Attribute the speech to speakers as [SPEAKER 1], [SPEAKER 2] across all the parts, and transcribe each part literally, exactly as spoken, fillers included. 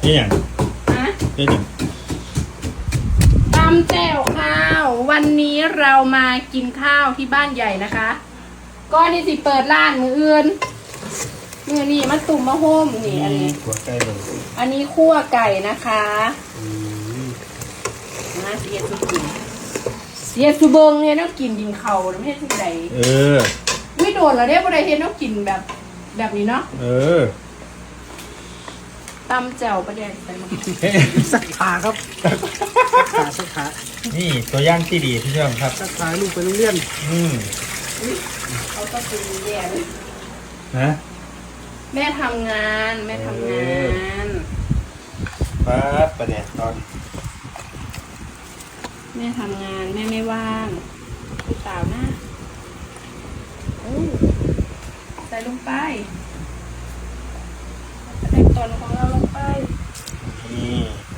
[SPEAKER 1] นี่อย่าง
[SPEAKER 2] ฮะ
[SPEAKER 1] นี่อย่าง
[SPEAKER 2] ตำแจ่วข้าววันนี้เรามากินข้าวที่บ้านใหญ่นะคะก็นี่สิเปิดร้านมืออื่นมือนี่มาตุ่มมะโฮมนี่อันนี้
[SPEAKER 1] หัวไก่เลย
[SPEAKER 2] อันนี้คั่วไก่นะคะน่าเสียสุกินเสียสุเบิงเนี่ยต้องกินดินเขาไม่ใช่สุดใด
[SPEAKER 1] เออ
[SPEAKER 2] ไม่โดนเหรอเนี่ยประเดี๋ยวต้องกินแบบแบบนี้เนาะ
[SPEAKER 1] เออ
[SPEAKER 2] ตำแจ่วประเดี๋ยวใส่มา
[SPEAKER 3] สักขาครับสักขาสักขา
[SPEAKER 1] นี่ตัวย่างที่ดีพี่เชื่อมครับ
[SPEAKER 3] สักขาลูกไปโรงเรียน
[SPEAKER 1] อืม
[SPEAKER 2] เขาก็กินแย่เลย
[SPEAKER 1] นะ
[SPEAKER 2] แม่ทำงานแม่ทำงาน
[SPEAKER 1] ป๊าบประเดี๋ยวตอน
[SPEAKER 2] แม่ทำงานแม่ไม่ว่างพี่สาวนะอู้ใส่ลงไปใส่ตอนของเราลงไป
[SPEAKER 1] นี่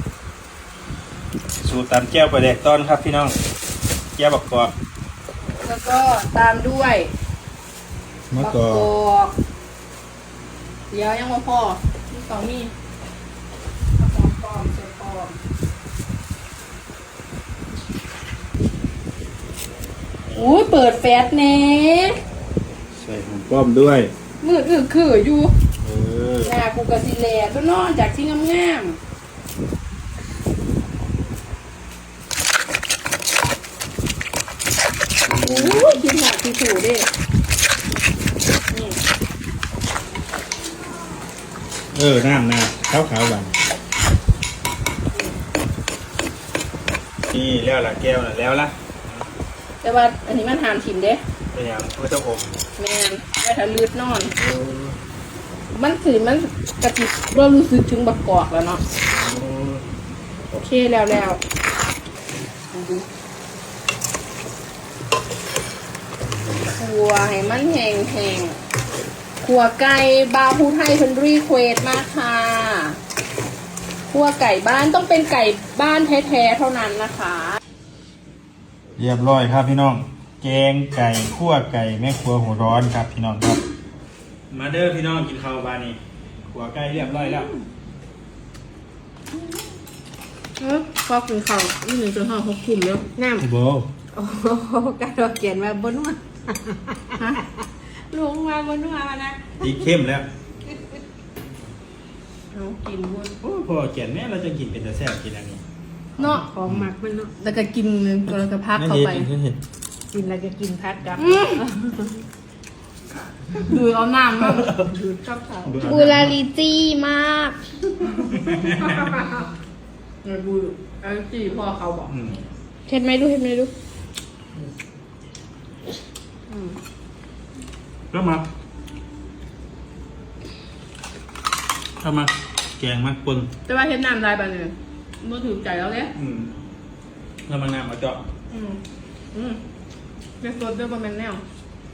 [SPEAKER 1] สูตรตำแก้วประเดี๋ยวตอนครับพี่น้องแก้วบักกอก
[SPEAKER 2] แล้วก็ตามด้วย
[SPEAKER 1] มะ
[SPEAKER 2] บัก
[SPEAKER 1] กอก
[SPEAKER 2] อกเดี๋ยวยังไม่พอมีสองมีเอาของปลอมใส่ปลอมอุ้ยเปิดแฟตเน่
[SPEAKER 1] ใส่หอมป้อมด้วย
[SPEAKER 2] มืดอึกคืออยู่
[SPEAKER 1] เออ
[SPEAKER 2] หน้ากูกะสิแลตัวนอนจากที่งามๆโอ้ยคิดหนักคิดถูกดินี่
[SPEAKER 1] เออน้ำน้ำขาวขาวหวานนี่แล้วละแก้วน่ะแล้วละ
[SPEAKER 2] แต่ว่าอันนี้มันหามถิ่มเด้
[SPEAKER 1] เป็นอย่างก็จะอม
[SPEAKER 2] แมนไว้ถ้าลืดนอน มันถือมันกระติบเรารู้สึกถึงบักกอกแล้วเนาะโอเคแล้วแล้วขัวให้มันแห้งแห้งขัวไก่บาฮูไทยเพิ่นรีเควสมากค่ะขัวไก่บ้านต้องเป็นไก่บ้านแท้ๆเท่านั้นนะคะ
[SPEAKER 1] เรียบร้อยครับพี่น้องแกงไก่คั่วไก่แม่ครัวหัวร้อนครับพี่น้องครับมาเด้อพี่น้องกินข้าวบานนี้ขัวไก่เรียบร้อยแล้ว
[SPEAKER 2] เออพอกินข้าวนี่หนึ่งจนห้าหกทุ่มแล้วน้ำ
[SPEAKER 1] โบ
[SPEAKER 2] โอ้โหกระโดดเขียนมาบนว่าฮะลุงมาบนว่ามานะ
[SPEAKER 1] ตีเข้มแล้ว
[SPEAKER 2] เอากินบน
[SPEAKER 1] โอ้พอแก่นแม่เราจะกินเป็นแต่แซ่บกินอันนี้
[SPEAKER 2] เนาะ
[SPEAKER 3] ของหมักมันเนาะ
[SPEAKER 2] แล้วก็กินแล้วก็พักเข้าไป
[SPEAKER 1] นั่นเห็น
[SPEAKER 3] กินแล้วก็กินพัดกับ
[SPEAKER 2] อืมดูเอาน้ำมาดูชอบเขา
[SPEAKER 4] บูราลิจี้มาก
[SPEAKER 2] เออดูไอ้จีพ่อเขาบอก
[SPEAKER 1] อืม
[SPEAKER 4] เห็นไหมดูเห็นไหมดู
[SPEAKER 2] อืม
[SPEAKER 1] ก็มาเข้ามาแกงมากปน
[SPEAKER 2] แต่ว่าเห็นน้ำลายไปเลยมือถือใจแล้วเนี่ย
[SPEAKER 1] อืมแล้วมันน้ำมาเจาะ
[SPEAKER 2] อืมอืมเป็นสดด้วยบะแมนแนว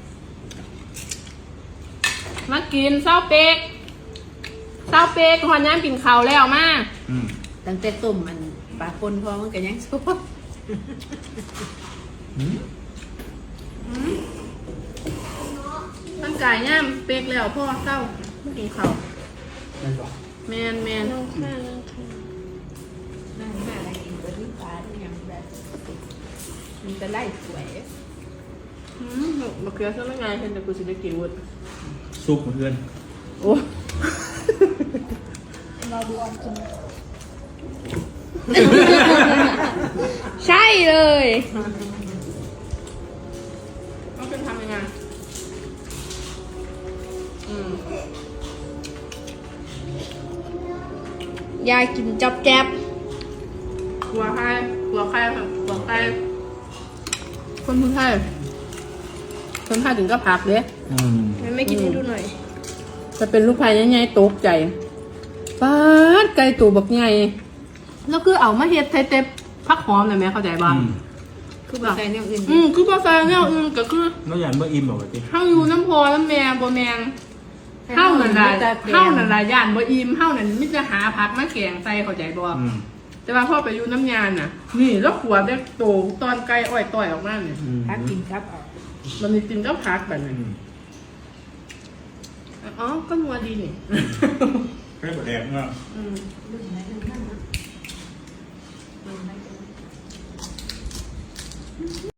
[SPEAKER 2] มากินเศร้าเป๊กเศร้าเป๊กหอนย่างกินเขาวแล้วมา
[SPEAKER 1] อืม
[SPEAKER 3] ตั้งแต่ต้มมันปลาปนพอมันก็ยังสุก
[SPEAKER 1] อืม
[SPEAKER 2] ตั้งกายย่ามเป๊กแล้วพ่อเศร้ามากินเขาว
[SPEAKER 3] นั่นบอก
[SPEAKER 2] แมนแมน
[SPEAKER 4] น้องค่ะน้องค่ะ
[SPEAKER 3] นั่นน่าอะไรกินก็ที่ปลาที่ยังแบบมันจะไล่สวย
[SPEAKER 2] อืมมะเขือซะไม่ไงเห็นแต่กูสิได้กินวุ้น
[SPEAKER 1] ซุปเพื่อน
[SPEAKER 2] โอ้
[SPEAKER 4] เราดูออกกินใช่เลย
[SPEAKER 2] ต้องเป็นทำยังไงอืม
[SPEAKER 4] ยายกินจับแจ๊บ
[SPEAKER 2] หัวใครหัวใครค่ะหัวใครคนพื้นไทยคนไทยถึงก็พักเลย
[SPEAKER 1] อืม
[SPEAKER 4] ไม่กินให้ดูหน่อย
[SPEAKER 2] จะเป็นลูกพายใหญ่ๆตกใจป๊าดไก่ตัวบักใหญ่แล้วคือเอามาเฮ็ดไทยเต็บพักหอมหน่อยไหมเข้าใจบ้าง
[SPEAKER 1] อืม
[SPEAKER 3] คือแบบใส่เนี่ยอื่น
[SPEAKER 2] อืมคือภาษาเนี่ยอืมก็คือ
[SPEAKER 1] แล้วอย่างเมื่ออิ่มบอกว่าติ
[SPEAKER 2] เฮาอยู่น้ำพอน้ำแม่บ่แมงเฮานั่นล่ะเฮานั่นล่ะย่านบ่อิ่มเฮานั่นมิจะหาผักมาแกงใส่เข้าใจบ่
[SPEAKER 1] อืม
[SPEAKER 2] แต่ว่าพ่อไปอยู่น้ำยานน่ะ นี่แล้วขวดได้โตตอนไก่อ้อยต่อยออกมาเนี่ย
[SPEAKER 1] อืม
[SPEAKER 3] พักกินครับออก
[SPEAKER 2] มันมีกินก็พักแบบ
[SPEAKER 1] อื
[SPEAKER 2] นั้น
[SPEAKER 1] ม
[SPEAKER 2] อ๋อก็นัวดีนี่
[SPEAKER 1] ไข่บดแดงเนาะ
[SPEAKER 3] อืมลืมไหนลืมนั่นนะลืมไหน